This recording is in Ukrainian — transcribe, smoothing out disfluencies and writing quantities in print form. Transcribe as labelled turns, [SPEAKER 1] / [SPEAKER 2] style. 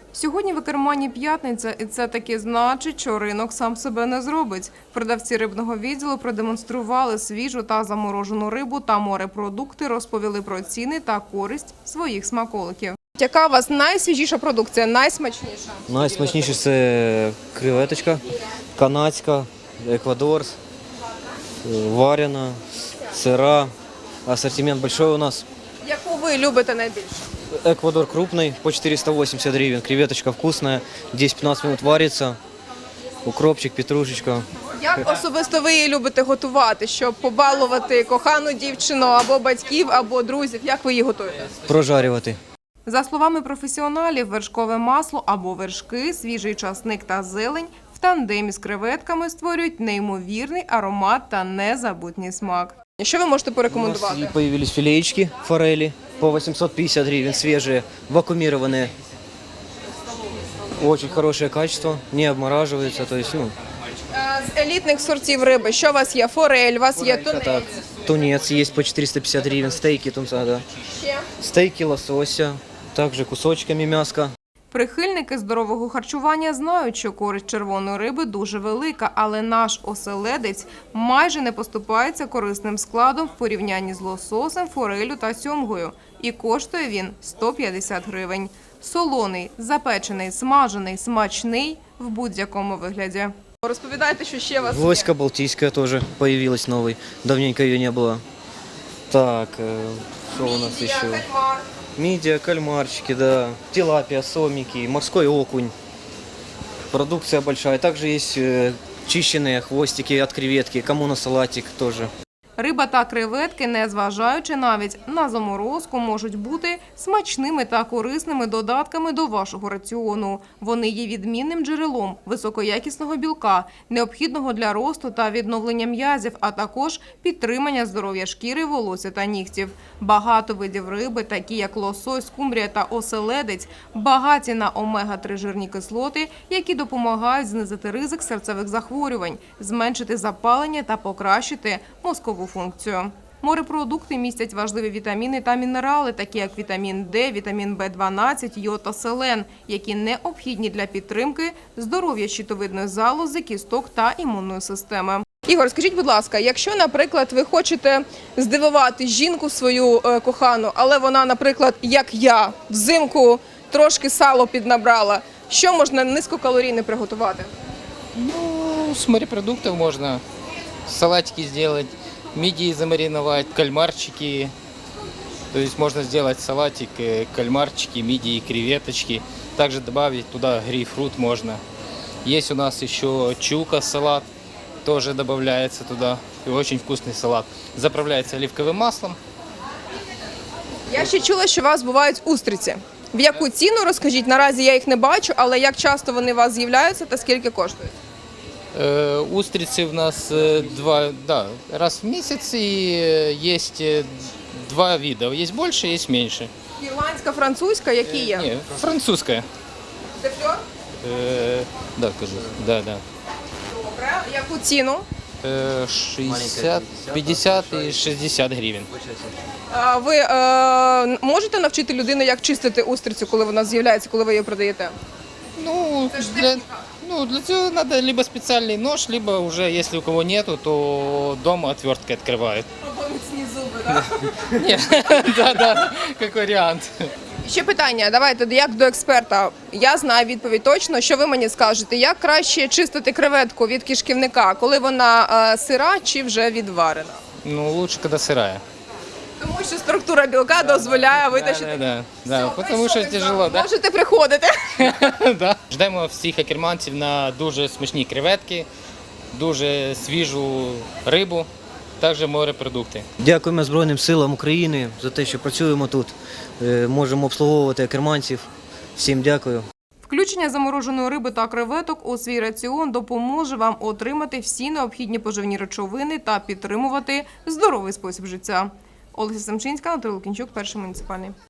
[SPEAKER 1] Сьогодні в Екермані п'ятниця, і це таки значить, що ринок сам себе не зробить. Продавці рибного відділу продемонстрували свіжу та заморожену рибу та морепродукти, розповіли про ціни та користь своїх смаколиків. Яка у вас найсвіжіша продукція, найсмачніша?
[SPEAKER 2] Найсмачніше – це креветочка, канадська, еквадорс, варена, сира. Ассортимент большой у нас.
[SPEAKER 1] Яку ви любите найбільше?
[SPEAKER 2] Эквадор крупный, по 480 гривен. Креветочка вкусная, 10-15 минут варится. Укропчик, петрушечка.
[SPEAKER 1] Як особисто ви її любите готувати, щоб побалувати кохану дівчину або батьків, або друзів? Як ви її готуєте?
[SPEAKER 2] Прожарювати.
[SPEAKER 1] За словами професіоналів, вершкове масло або вершки, свіжий часник та зелень в тандемі з креветками створюють неймовірний аромат та незабутній смак. Що ви можете
[SPEAKER 2] У нас
[SPEAKER 1] порекомендувати?
[SPEAKER 2] и появились филеечки форели по 850 гривен, свежие, вакуумированные. Очень хорошее качество, не обмораживается. То есть,
[SPEAKER 1] З елітних сортів риби, що у вас є? Форель, у вас є
[SPEAKER 2] так,
[SPEAKER 1] тунець.
[SPEAKER 2] тунец есть по 450 гривен, стейки тунца, да.
[SPEAKER 1] Ще?
[SPEAKER 2] Стейки лосося, также кусочками мяска.
[SPEAKER 1] Прихильники здорового харчування знають, що користь червоної риби дуже велика, але наш оселедець майже не поступається корисним складом в порівнянні з лососем, форелю та сьомгою. І коштує він 150 гривень. Солоний, запечений, смажений, смачний в будь-якому вигляді. Розповідайте, що ще у вас є.
[SPEAKER 2] Гвоздька балтийская тоже появилась новой. Давненько ее не было. Так, что у нас
[SPEAKER 1] Мідія,
[SPEAKER 2] еще?
[SPEAKER 1] кальмар.
[SPEAKER 2] Мидия, кальмарчики, да. Тилапия, сомики, морской окунь. Продукция большая. Также есть чищенные хвостики от креветки. Кому на салатик тоже.
[SPEAKER 1] Риба та креветки, незважаючи навіть на заморозку, можуть бути смачними та корисними додатками до вашого раціону. Вони є відмінним джерелом високоякісного білка, необхідного для росту та відновлення м'язів, а також підтримання здоров'я шкіри, волосся та нігтів. Багато видів риби, такі як лосось, скумбрія та оселедець, багаті на омега-3 жирні кислоти, які допомагають знизити ризик серцевих захворювань, зменшити запалення та покращити мозкову функцію. Морепродукти містять важливі вітаміни та мінерали, такі як вітамін Д, вітамін В12, йод та селен, які необхідні для підтримки здоров'я щитовидної залози, кісток та імунної системи. Ігор, скажіть, будь ласка, якщо, наприклад, ви хочете здивувати жінку свою кохану, але вона, наприклад, як я, взимку трошки сало піднабрала, що можна низькокалорійне приготувати?
[SPEAKER 3] Ну, с морепродуктов можно салатики сделать, мидии замариновать, кальмарчики. То есть можно сделать салатик, кальмарчики, мидии, креветочки. Также добавить туда грейпфрут можно. Есть у нас еще чука салат, тоже добавляется туда. И очень вкусный салат. Заправляется оливковым маслом.
[SPEAKER 1] Я ще чула, що у вас бувають устриці. В яку ціну, розкажіть, наразі я їх не бачу, але як часто вони у вас з'являються та скільки коштують?
[SPEAKER 3] Устрицы у нас раз в месяц, и есть два вида. Есть больше, есть меньше.
[SPEAKER 1] Ірландська, французька, які є?
[SPEAKER 3] Не, французская.
[SPEAKER 1] Дефльор?
[SPEAKER 3] Да, кажу. Да.
[SPEAKER 1] Добре. Яку ціну?
[SPEAKER 3] 60, 50 и 60 гривен.
[SPEAKER 1] Ви можете навчити людину, як чистити устрицю, коли вона з'являється, коли ви її продаєте?
[SPEAKER 3] Ну, для этого надо либо специальный нож, либо уже, если у кого нету, то дома отверткой открывают.
[SPEAKER 1] Або міцні зуби, так?
[SPEAKER 3] Ні, да, як варіант.
[SPEAKER 1] Ще питання, давайте, як до експерта. Я знаю відповідь точно, що ви мені скажете. Як краще чистити креветку від кишківника, коли вона сира чи вже відварена?
[SPEAKER 3] Ну, лучше, когда сырая.
[SPEAKER 1] Тому що структура білка дозволяє витащити.
[SPEAKER 3] Да, потому що тяжело, да?
[SPEAKER 1] Можете приходити.
[SPEAKER 3] Да. Ждемо всіх екерманців на дуже смачні креветки, дуже свіжу рибу, також морепродукти.
[SPEAKER 2] Дякуємо Збройним силам України за те, що працюємо тут. Можемо обслуговувати екерманців. Всім дякую.
[SPEAKER 1] Включення замороженої риби та креветок у свій раціон допоможе вам отримати всі необхідні поживні речовини та підтримувати здоровий спосіб життя. Олеся Семчинська, Анатолій Лукінчук, Перший муніципальний.